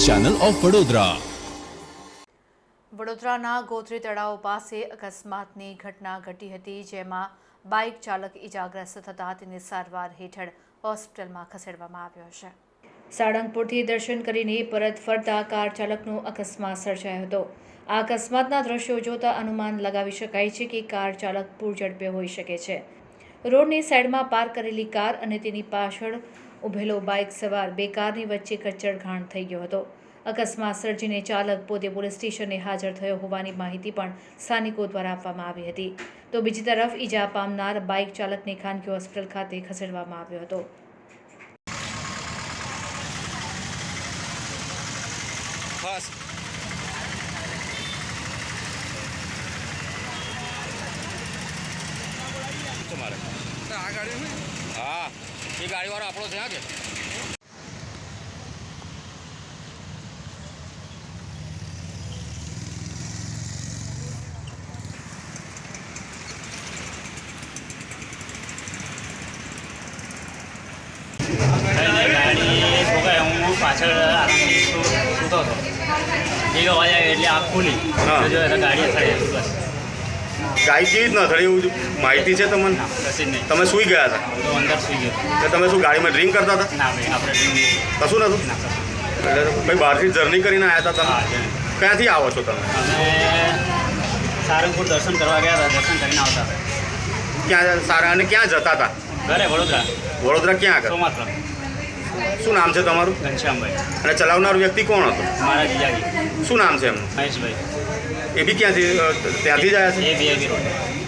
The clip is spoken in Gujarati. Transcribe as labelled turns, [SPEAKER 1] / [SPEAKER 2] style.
[SPEAKER 1] Channel of Vadodara.
[SPEAKER 2] વડોદરાના ગોત્રી તળાવ પાસે અકસ્માતની ઘટના ઘટી હતી, જેમાં બાઇક ચાલક ઇજાગ્રસ્ત થતાં તેને સારવાર હેઠળ હોસ્પિટલમાં ખસેડવામાં આવ્યો છે। સાળંગપુરથી દર્શન કરીને પરત ફરતા કાર ચાલકનો અકસ્માત સર્જાયો હતો। આ અકસ્માતના દ્રશ્યો જોતા અનુમાન લગાવી શકાય છે કે કાર ચાલક પૂરઝડપે હોઈ શકે છે। રોડની સાઈડમાં પાર્ક કરેલી કાર અને તેની પાછળ ઉભેલો બાઇક સવાર બે કારની વચ્ચે કચ્ચરઘાણ થઈ ગયો હતો। અકસ્માત સર્જીને ચાલક પોતે પોલીસ સ્ટેશને હાજર થયો હોવાની માહિતી પણ સ્થાનિકો દ્વારા આપવામાં આવી હતી। તો બીજી તરફ ઈજા પામનાર બાઇક ચાલકને ખાનગી હોસ્પિટલ ખાતે ખસેડવામાં આવ્યો હતો।
[SPEAKER 3] हाँ ये गाड़ी वाला આપણો છે કે
[SPEAKER 4] ગાડી ઠોકાય હું પાછળ આરામથી સૂતો હતો। એક અવાજ આવ્યો એટલે આંખ ખુલી જો તો ગાડી અથડાઈ બસ।
[SPEAKER 3] ગાડી કેવી રીતના અથડી એવું માહિતી છે તમને?
[SPEAKER 4] કશી જ નહીં,
[SPEAKER 3] તમે સૂઈ ગયા હતા?
[SPEAKER 4] તો અંદર સુઈ ગયો।
[SPEAKER 3] કે તમે શું ગાડીમાં ડ્રિંક કરતા હતા?
[SPEAKER 4] ના ભાઈ, આપણે ડ્રિંક નહીં,
[SPEAKER 3] કશું નતું?
[SPEAKER 4] ના કશું।
[SPEAKER 3] એટલે ભાઈ બહારથી જર્ની કરીને આવ્યા હતા
[SPEAKER 4] હા
[SPEAKER 3] તમે?
[SPEAKER 4] જણ
[SPEAKER 3] ક્યાંથી આવો છો તમે?
[SPEAKER 4] અમે સારંગપુર દર્શન કરવા ગયા હતા, દર્શન કરીને આવતા હતા
[SPEAKER 3] ક્યાં સારા અને ક્યાં જતા હતા?
[SPEAKER 4] ઘરે વડોદરા
[SPEAKER 3] વડોદરા ક્યાં આગળ?
[SPEAKER 4] સોમાત્ર।
[SPEAKER 3] શું નામ છે તમારું?
[SPEAKER 4] ઘનશ્યામભાઈ,
[SPEAKER 3] અને ચલાવનાર વ્યક્તિ કોણ હતો?
[SPEAKER 4] મારા જીજાજી
[SPEAKER 3] શું નામ છે એમનું?
[SPEAKER 4] મહેશભાઈ,
[SPEAKER 3] એ બી ક્યાંથી ત્યાંથી જ આવ્યા છે?
[SPEAKER 4] એ VIP રોડ।